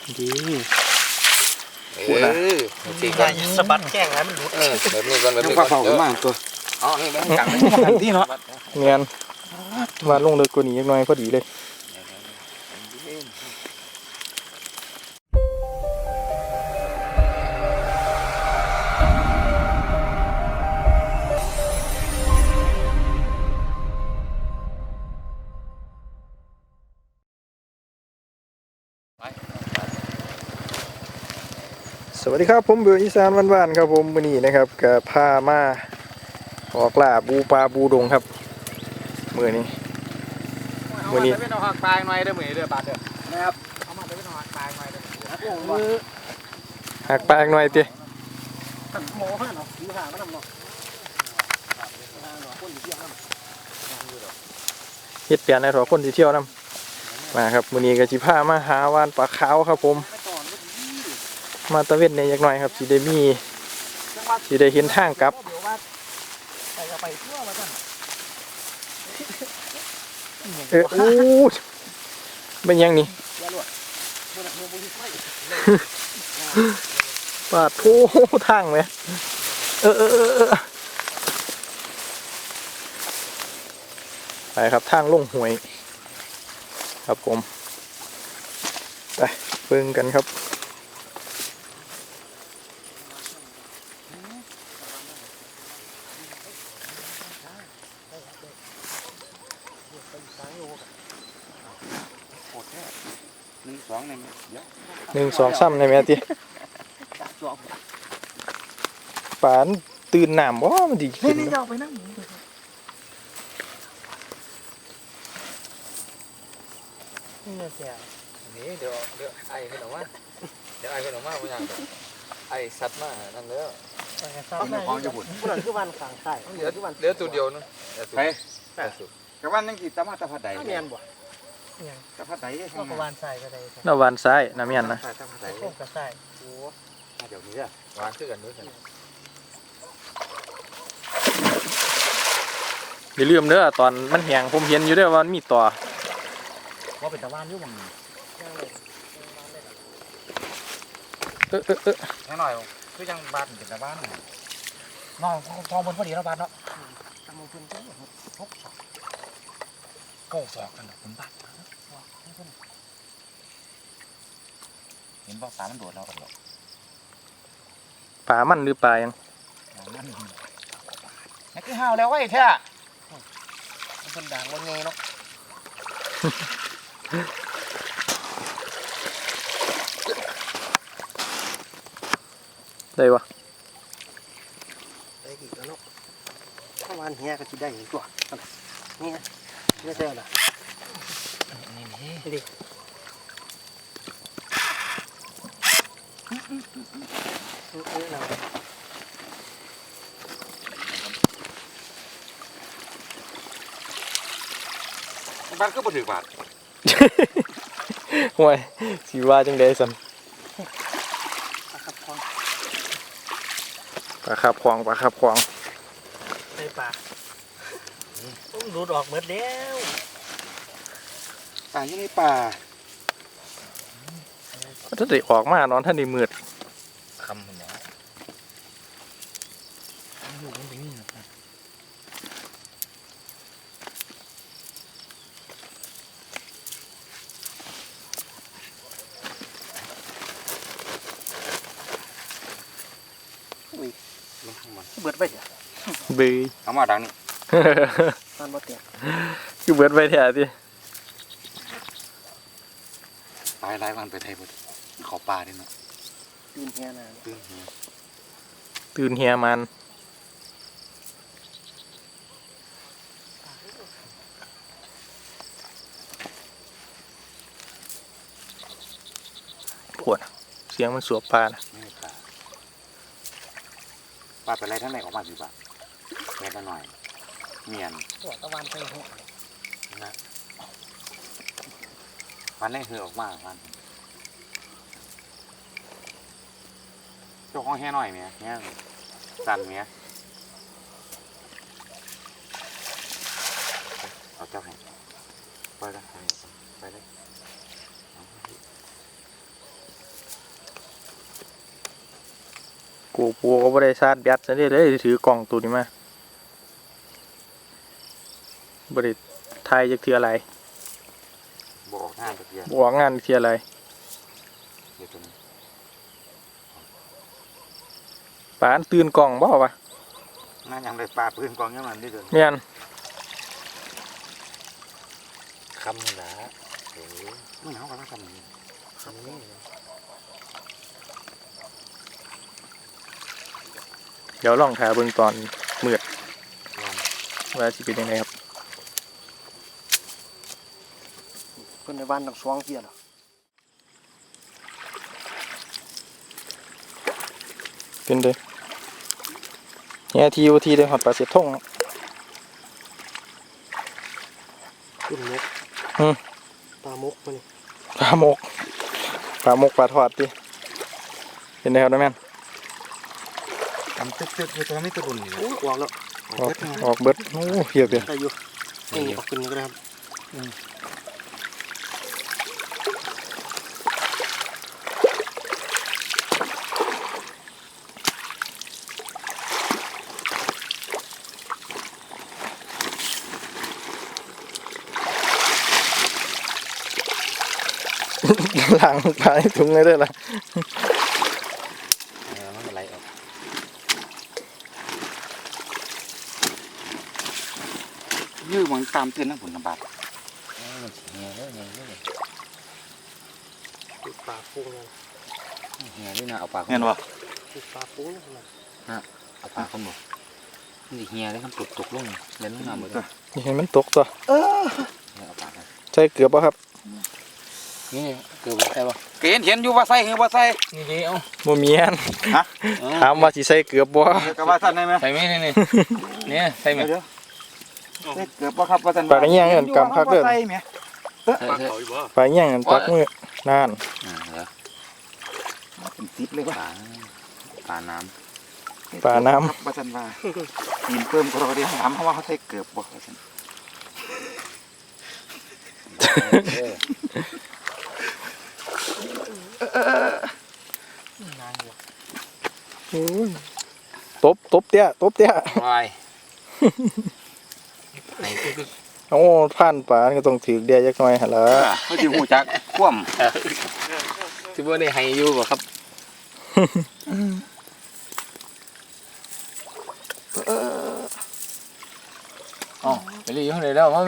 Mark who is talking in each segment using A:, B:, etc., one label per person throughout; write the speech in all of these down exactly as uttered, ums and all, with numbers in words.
A: ดี
B: เออสีกัน
A: สะบัดแข้งแล้วมันหลุด
B: เออแบบนี้ก่อนแบบนี้
C: ก่อนเผาขึ้นมาตัว
B: อ๋อนี่มันกัง
C: ที่เนาะ
A: เนียนมาลงเลยกว่านี้ยังน้อยพอดีเลยสวัสดีครับผมเบืออีสานบ้านๆครับผมวันนี้นะครับกับพามาออกล่าบูปลาบูดงครับมือนี้มือนี้
B: เป็นหักปลายหน่อยเด้อมือเด้อบาดเด้อนะครับเอามาเป็นหักปลายหน่อยเด้อ
A: หักปลาหน่อยเตี้ย
C: หมอห้าเนาะอยู่ห่างมันนำเนาะ
A: เฮ็ดเปลี่ยนในถอคนที่เที่ยวนํมาครับมือนี้ก็สิพามาหาวานปลาขาวครับผมมาตะเวนในยักหน่อยครับสิได้มีสิได้เห็นทางกลับเอออู้เป็นยังนี่ปาดโถทางไหมเออเออเออเออไปครับทางลงห้วยครับผมไปเบิ่งกันครับ
B: หนึ่งสองใน
A: หนึ่งสองซ้ำในแม่ตีปานตื่นน้ำบ่มันดีขึ้น
C: นี่เราไปนั่ง
B: นี่เสียนี่เดี๋ยวเดี๋ยวไอ้ขึ้นออกมาเดี๋ยวไอ้ขึ้นออกมาไม่ยังไอ้สัตว์มานั่นเด้อ
C: ของญี่ปุ่นผู้นั้นคือวันขังไข่
B: เหลือเหลือตัวเดียวนึง
C: ไปกับวันยังกี่ตะมาตะพัดใด
A: ตะ
C: พัดใด
A: ก็ประวันซ้ายก็ได้ตะวันซ้ายน้ำยันนะ
C: ตะพัดใด
A: โค้งกระซ้าย
C: โอ้เดี๋ยวนี้อะ
B: วานคือกันด้วยกัน
A: อย่าลืมเด้อตอนมันแห้งผมเห็นอยู่เด้อว่ามันมีต่อ
C: ว่าเป็นตะวันอยู่มั้ง
A: เออเออเออ
C: แค่หน่อยคือยังบาดเป็นตะวันน้องทองบนพอดีแล้วบาดเนาะทำมือพื้นที่หกสองเก้าสองกันผมบาดเห็นบอกปลามันโดดเรากันหรอก
A: ปลามันหรือปลายัง
C: นี่คือห่าวแล้วไว้แท้มันเป็นด่างวันเงยเนาะ
A: ได้ปะ
C: ได้กี่แล้วเนาะถ้าวันเฮียก็จะได้อีกตัวนี่ไม่ใช่หรอนี่นี่ดิ
B: บ้านก็บ่ถือบาท
A: ห่วยสีว่าจังได้สันปลาขับควางปลาขับควาง
C: ไอ้ปลาต้องดูดออกหมดแล้วปลาอยู่ในป่า
A: ถ้าได้ออกมานอนท่านได้มืด
B: คำมัน
C: อยู่มันเป็นนี่นะเบิดไปเถอะ
A: เบย
B: เอามาดังนี่
C: ตอนบ่เตีย
A: คือเบิดไปแถวที่
B: ตายหลายวันไปไทยบ่ขอปลาดิเนาะ
C: ตื่นเฮียนะ
B: ตื่นเฮีย
A: ตื่นเฮียมันขวดเสียงมันสวบปลานะ
B: ปลาเป็นไรทั้งไหนออกมาสิบ่ะแค่หน่อยเมียน
C: หัวตะวันไปหัว
B: นะมันได้เหือออกมามันเจ้าของแห่หน่อยเมียแห่สั่นเมียเอาเจ้าให้ไปได้ไปได้
A: กูปูก็บ่ได้ชาร์จแบตซะเด้เลยถือกล่องตัวนี้มาบ่ได้ถ่ายจักเทื่ออะไร
C: บอกงานตะเกียบ
A: บ่ออกงานเทื่ออะไร
C: เดี๋ยวตัวนี้
A: ปานตื่นกล่องบ่วะ
C: น่ายังได้ปลาปืนกองยังมันนี่เดิน
A: แม่น
B: คำนี่แหละโอ้ย
C: ไม่เอากันแล้วกันนี่
B: คำนี้
A: เดี๋ยวลองถ่ายเบิ่งตอนมืด
B: ลอง
A: ว่าสิเป็นยังไงครับ
D: เพิ่นในบ้านต้องสว่างเที่ยน่ะ
A: เป็นเด้เนี่ยทีวทีได้ฮอดปลาเสร็จทง
D: ขึ้นมก
A: อืม
D: ปลามกมัน
A: ปลาหมกปลาหมกปลาทอดดิเป็นไงครับน้าแม่น
C: ทำตึ๊กๆคือตัวไม่ตะรุนนี่
D: โอ้ออกแล้ว
A: ออกออกเบิดโอ้เพียบเลย
D: ได้อยู่นี่ออกขึ้นก็ได้ครับ
A: ล้างปลาให้ถุงเลยเด้อล่ะ
B: เออมันไหลออก
C: ยื้อมันตามเตือนนะผลลำบาก
B: เออมันเหี่ยวแล้วเหี่ยวแล้ว
D: ติดปลาปูนั่น
B: เหี่ยวนี่นะเอาปาก
C: เห็นบ่
D: ติดปลาปูนั่น
B: เอาปากเขาหมดมันเหี่ยวแล้วมันตกตกลงเล่นลงน้ำหมดเลย
A: นี่เห็นมันตกตัว
B: เอาปากเขา
A: ใช่เกือบป่ะครับ
B: นี่เกือบใช่ป่ะ
C: เกณฑ์เห็นอยู่ว่าใส่คือว่าใส่
B: นี่ดิเอา
A: บ่มีอัน
C: ฮะ
A: ถามว่าสิใส่เกือบบ่
C: เดี๋ยวกับว่าสั่นได้ไหม
B: ใส่ไหมนี่นี่เนี่ยใส่ไหม
C: เดี๋ยวใส่เกือบว่าครับว่าสั่น
A: ปลากระเงี้ยงเอิ้นกำคักเด้อ
C: ใส่ไหม
B: ใส่ใส่
A: ปลาเงี้ยงปักมือนั่น
B: อ่าเดี๋ยว
C: เป็นติดเลย
B: ป
C: ว่า
B: ลาปลาน้
A: ปลาน้
C: ว่าสั่นว่ากินเพิ่มก็เราได้ถามเขาว่าเขาใส่เกือบบ่ว่าสั่น
B: ำเออ
A: ำโอ้ยตบตบเตี้ยตบเตี้ย
B: วายไหนก็คือ
A: โอ้ผ่านปลาก็ต้องถือเดียจักหน่อยหั่นล่ะ
C: เขาจะหูจักคว่
B: ที่ว่าได้ให้อยู่บ่ครับอ๋อไปรีอยู่ไหนแล้วมาแม่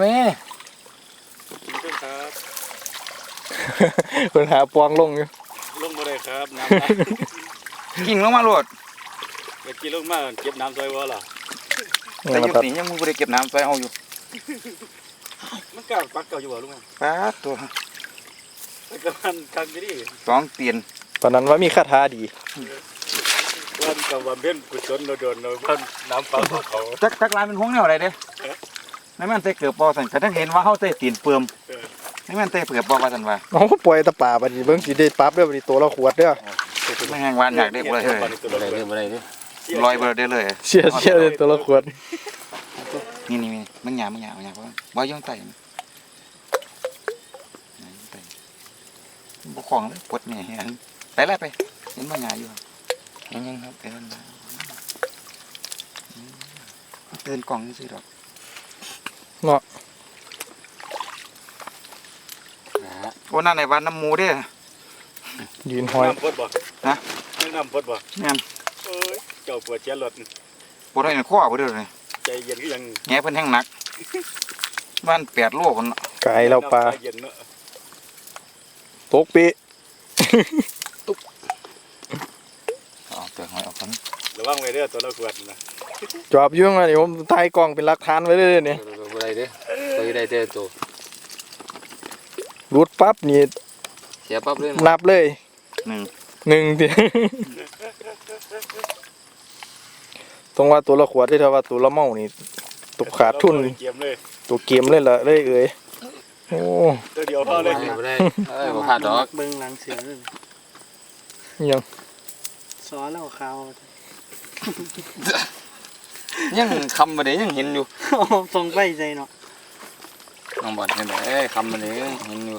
A: เพิ่นหาปองลงอยู่
E: ลงมาเลยครับน้ำนะ
C: ำกิ่งลงมาโลด
E: เมื่อกี้ลงมาเก็บน้ำซอยวะล่ะ
A: นี่
C: แต่
A: มา
C: ยุ
A: ตัด
C: ติยังมึงบ่ได้เก็บน้ำใส่เอาอยู่
E: มันเก่าปักเก่าอยู่บ่ลุงแม่
C: ป้าดตัว
E: มันก็มันคักอยู่ดิ
C: สองเตียน
A: ตอนนั้นว่ามีคาถาดี
E: วันกับวันเพ็ญกุศลเราโดนเราพันน้ำปลาเขา
C: จักจักลายเป็นพวงแนวอะไรเด้นั่นแม่นใส่เกือบบ่สั่นก็ทั้งเห็นว่าเขาใส่ตีนเปื่อมนั่นแม่นใส่เกือบบ่ว่าสั่นว่า
A: โอ้ปล่อยแตะป่าบัดนี้เบิ่งสิได้ปรับเด้อบัดนี้ตัวละขวดเด้อ
C: ไม่แห้งหวานอยากได้บ่ได้เลย
B: อะไรเด้ออะไรเด้อ
C: ลอยบ่ได้เลย
A: เสียเสียเลยตัวละขวด
C: นี่นี่มันหยาบมันหยาบมันหยาบบ่บ่ย่องไตมันบ่ของเลยปวดแม่เห็นไปแล้วไปเห็นบ่หยาอยู่
B: ยังยังครับ
C: เตือนเตือนกล่องซื่อดอก
A: เนาะ
B: นะ
C: โอ้นั่นในวันน้ำหมูเด้
A: ยืนหอย
E: น้ำพดบ่
C: ฮะ
E: น้ำพดบ่
C: แม่น
E: เอ้ยเจ้าปวดเชียรถ
C: ปวดให้ข้อบ่เด้อเลย
E: ใจเย็นก็ยัง
C: แง่เพิ่นแห้งหนักบ้านแปดโลพุ่น
A: ไก่เราปลา
E: เย็นเนาะ
A: ตกปี
C: เอาเตือนหอยออกก่อน
E: ระวังไว้เด้อตัวละขวดนะ
A: จอบอยู่มานี่ผมถ่ายกล้องเป็นหลักฐานไว้เลยนี่
B: อะไรเด้อตัวใดเด้อตัว
A: รูดปั๊บนี่
B: เสียปั๊บเลย
A: นับเลย
C: หนึ่ง
A: หนึ่งที ตรงว่าตัวละขวดที่ถ้าว่าตัวละเมานี่ตกขาดทุน
E: เกียมเลย
A: ตัวเกมเลยล่ะเลยเอ้ยโอ้
E: ตัวเดียวพอ
B: เอา
E: เล
B: เลย ยบ่ได้เอ้ยบ่พลาดดอก
D: เบิ่งหลังเสือเลย
A: ยัง
D: สอนแล้วขาว
C: ยังคำบ่ได้ยังเห็นอยู่
D: ส่งไปใจเนาะ
B: น้องบอดเห็นไหมเอ้ยคำมันเลยเห็นอยู่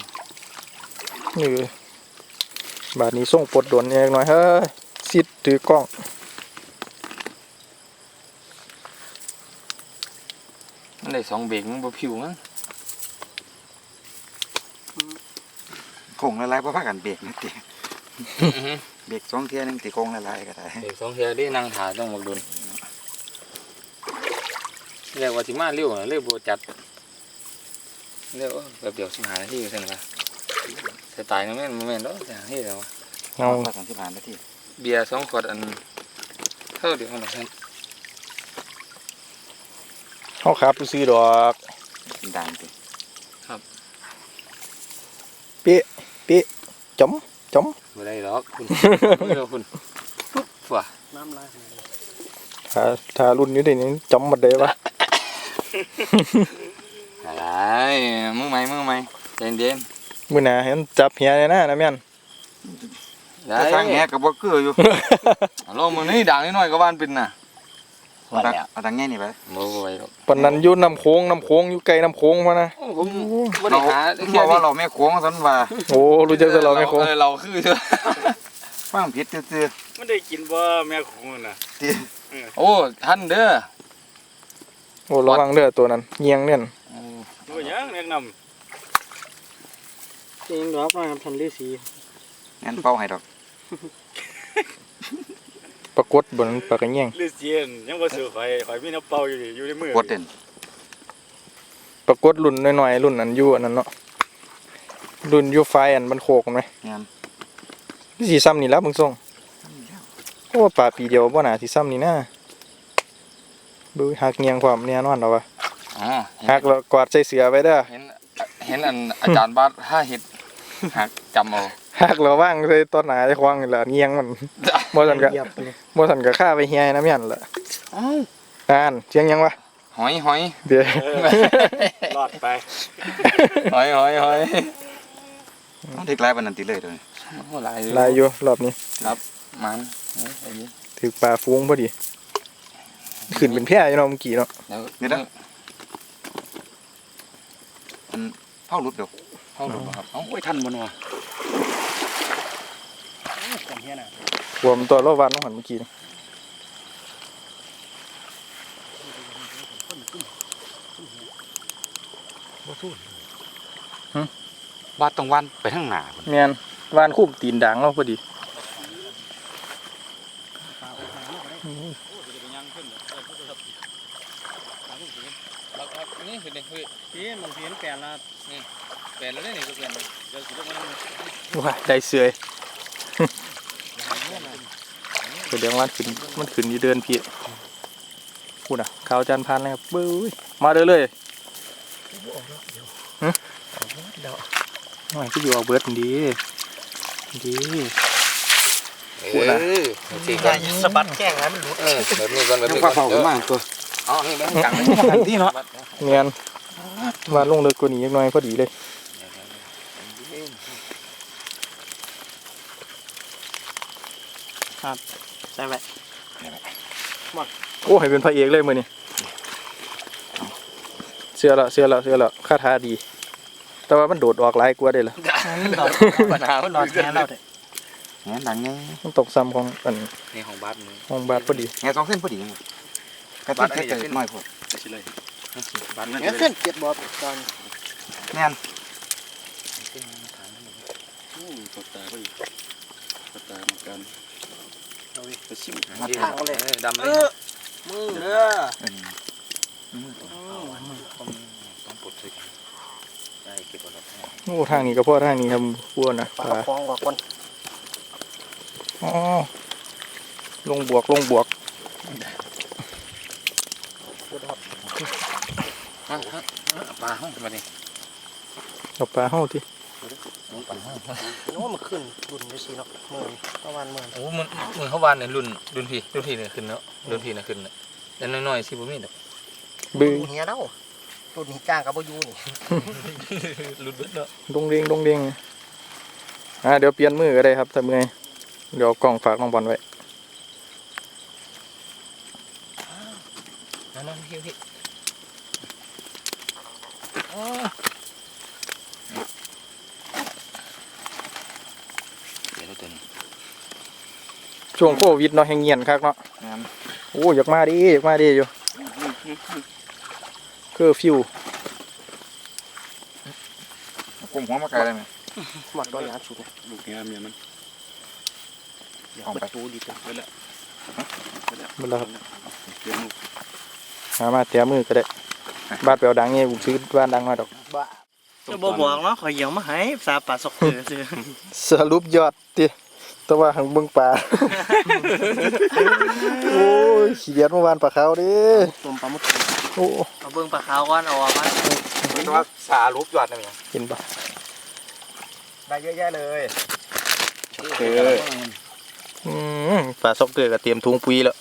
A: นี่บาดนี้ส่งปลดโดนเองหน่อยเฮ้ยซิดถือกล้อง
B: ได้สองเบรกมันบ่ผิวมั้ง
C: โค้งละลายเพราะพากันเบรกนะติเบรกสองเที่ยหนึงติโค้งละลายก็ได้
B: เบรกสองเทียได้นั่งถ่าต้องบักดุนเรียกว่าสิมาเร็วนะเร็วบ่จัดเร็วแบบเดียวสิบห้านาทีซั่นว่าสไตล์นั้นแม่นบ่แม่นดอกสิบห้านาทีแล้ววะ
A: เอา
C: พอสามสิบห้านาที
B: เบียร์สองขวดอันเท่าเดียวกันนะท่าน
A: เขาครับซื้อดอก
C: กินด่างติ
A: เป๊ะเป๊ะจมจม
B: บ่ได้หรอกคุณไม่รู้คุณปุ๊บว่ะ
D: น้ำลาย
A: ถ้าถ้ารุ่นอยู่ในนี้จมหมดเลยวะ
B: อะไรมือใหม่มือใหม่ใจเย็น
A: มื้อหน้าเห็นจับเหียเลยนะนะแม่น
B: ๆได้
C: แต่ทางแหก็บ่คืออยู่
B: ลองมือนี่ด่างนิดหน่อยก็บ้านเป็นน่ะ
C: เอาดังเอาดังแง่นี่ไป
B: บ่บ่ไหวหรอก
A: ปานนั้นอยู่น้ำโค้งน้ำโค้งอยู่ไกลน้ำโค้งพะนะ
B: ผมบ่ได้หา
C: เรา
B: แค่
C: บอก
B: นี้
C: ว่าเราแม่โค้งสันว่า
A: โอ้รู้จักแต่เราไม่โค้ง
B: ออเราคือเถอะ
C: ฟังผิดซื่อ
E: มันได้กินบ่แม่ของมันน่ะ
C: ๆติ
B: โอ้ท่านเด้อ
A: โอ้ระวังเด้อตัวนั้นเงียงเนี่ย
E: บ่หยังแนะนำ
D: จริงดอกมาทำฤาษี
C: งั้นเป้าให้ดอก
A: ปรากฏบนปากกระเงียง
E: ฤาษียังบ่ซื้อข่อยข่อยมีน้ำเปล่าอยู่นี่อยู่ในมือก
C: ดเด่น
A: ปรากฏรุ่นน้อยๆรุ่นนั้นอยู่อันนั้นเนาะรุ่นอยู่ไฟอันมันโคกไหม
C: งั้น
A: นี่สีซ้ำนี่แล้วมึงส่งโอ้ป่าปีเดียวบ่น่าสีซ้ำนี่นะดูหักเงียงความแน่นอนแล้ววะ
B: อ๋อ
A: หักแล้วกวาดใส่เสือไว้เด้อ
B: เห็นเห็นอันอาจารย์บาสถ้าเฮ็ดหักจำเอา
A: หักแล้วว่างใส่ต้นหนาใส่ควางนี่แหละเงียงมันบ่สันก็
D: เหยียบเลย
A: บ่สันก็ฆ่าไปเฮียนะแม่นล่ะ
B: อ้าว
A: อ่านเสียงยังวะ
B: หอยหอย
A: เดี๋ยว
E: รอดไป
B: หอยหอยหอย
C: เอาเด็กหลายปานนั้นติเลยเด้อ
B: โอ้หลาย
A: ลายอยู่รอบนี้
B: มันเอ้ยไอ้นี่
A: ถือปลาฟุ้งพอดีขึ้นเป็นแพร่อยู่เนาะเมื่อกี้เนาะ
B: เดี๋ยว
C: เดี๋ยวนะอันเผาหลุดเดี๋ยว
B: เข้าดูบ่ครับเอ้าโอ้ยทันบ่เนาะ
D: กันเฮียน่ะ
A: รวมตัวรอบวันน้องหันเมื่อกี้นี่
B: บาสต้องวันไปทางหน้าพุ่น
A: แม่นวานคุ้มตีนด่างเราพอดี
B: นี่คือนี่คือ
D: พี่มันเพี้ยนแปลนละ
B: แปลนแล้วนี่ก็เปลี่ยนเดี๋ยวสิลงมา
A: ว้าได้เสือยเดี๋ยววันขึ้นมันขึ้นอยู่เดินพี่พูดอ่ะขาวจานพันเลยครับบื้อมาเด้อเลยฮะไม่ก็อยู่เอาเบิร์ดดีดี พูดนะ
B: เออสิ
D: อย่าสะบัดแข้งให้มันหลุด
B: เออแบบนี้ก่อนแบบ
C: ยัง
B: นี้
C: ฟ้า
B: ก่อน
C: เผาขึ้นมาตัว
B: อ๋อนี่แม่งกังเลย
C: ทันทีเนาะ
A: เนียนมาลงเลิกกว่านี้ยังน้อยพอดีเลย
D: ใส่ไว้
A: โอ้ให้เป็นพระเอกเลยมือนี่เสื้อละเสื้อละเสื้อละค่าท้าดี แต่ว่ามันโดดออกหลายกว่าได้ละ
D: ดอกปัญหามันรอดแค่เราเถอะ
C: งั้นดังไง
A: มันตกซ้ำของอัน
B: นี่ของบาสมือ
A: ห้องบาทพอดี
C: แง่สองเส้นพอดีไงกระตุ้นแค่เกิดน้อยพอ
B: สิเลยบาส
D: เงี้ยขึ้นเจ็ดบอลตอน
C: แน่น
E: ปดตาพอดีปดตาเหมือนกันไปชิม
B: ทางเลยดำเลย
D: มือเด้อ
C: เออ
B: ต้องปลดเลยได้เก็บไว้แล้ว
A: โอ้ทางนี้ก็พ่อทางนี้ครับพวกนะ
D: ปลา
A: ปลา
D: ฟองกว่าคน
A: อ๋อลงบวกลงบวก
B: ปลาห้องมาดิ
A: เอาปลาเข้าที่
D: นึกว่ามันขึ้นรุ่นไปสิเนาะหมื่นประมาณหมื่น
B: โอ้มันมือเขาวานเนี่ยรุ่นรุ่นพี่รุ่นพี่เนี่ยขึ้นแล้วรุ่นพี่เนี่ยขึ้นแล้วแต่น้อยๆสิบ่มีดอก
A: บื้อ
D: เฮียเด้ารุ่นนี้จ้างกับบ่อยู่นี่
B: รุ่นเบิดเนาะ
A: ดงเด้งดงเด้งอ่าเดี๋ยวเปลี่ยนมือก็ได้ครับถ้าเมื่อยเดี๋ยวเอากล่องฝากน้องบอลไว้
B: นั่นๆพี่พี่เดี๋ยวเราตัวนี้
A: ช่วงโควิดเนาะแห้งเงียนคักเนาะ
C: แน่น
A: โอ้อยากมาดิอยากมาดิอยู่เคอร์ฟิว
B: กลุ่มหัวมาไกลได้ไหม
D: หมัดร้อยยาชุด
E: ลูกเนี้ยเมียมัน
B: ของ
D: ป
B: ไประ
D: ตูดีจัง
E: ไปแล้วไปแล้ว
A: มันแล้วครับ
E: เตรียมลูก
A: หามาเตะมือก็ได้บ้านเปลวดังเนี่ยผมซื้อบ้านดังมาดอก
D: บ้าจะบอกบอกเนาะขอเหี่ยวมาให้สาปลาสกเกลือซื้อ
A: สรุปยอดติแต่ว่าหังเบิ่งปลา โอ้ยขี้เดียดเมื่อวานปลาขาวเดิ
D: ต้มปลาหมึก
A: โอ้
D: เอาเบิ่งปลาขาวก่อนเอาออกมา
B: แต่ว่าสารูปยอดนี่
A: เห็นปะ
B: ได้เยอะแยะเลย
A: เอออืมปลาซอกเกอร์ก็เตรียมถุงปุ๋ยแล้ว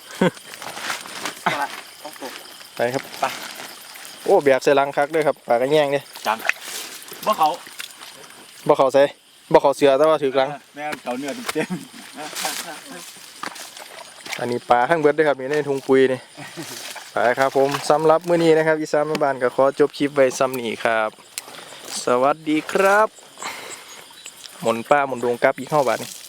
D: ต้องตก
A: ไปครับไปโอ้แบกใส่ลังคักด้วยครับปลากระแยงเนี่ย
E: บ่เขา
A: บ่เขาใส่บ่เขาเสือแต่ว่าถือกลัง
E: แม่เขาเนื้อเต็ม
A: อันนี้ปลาข้างเบิดด้วยครับอยู่ในถุงปุ๋ยนี่ ไปครับผมสำหรับมื้อนี้นะครับอีสานแม่บ้านก็ขอจบคลิปไว้ซ้ำนี้ครับ สวัสดีครับ หมุนป้าหมุนดวงกลับอีกเข้าบาทนี่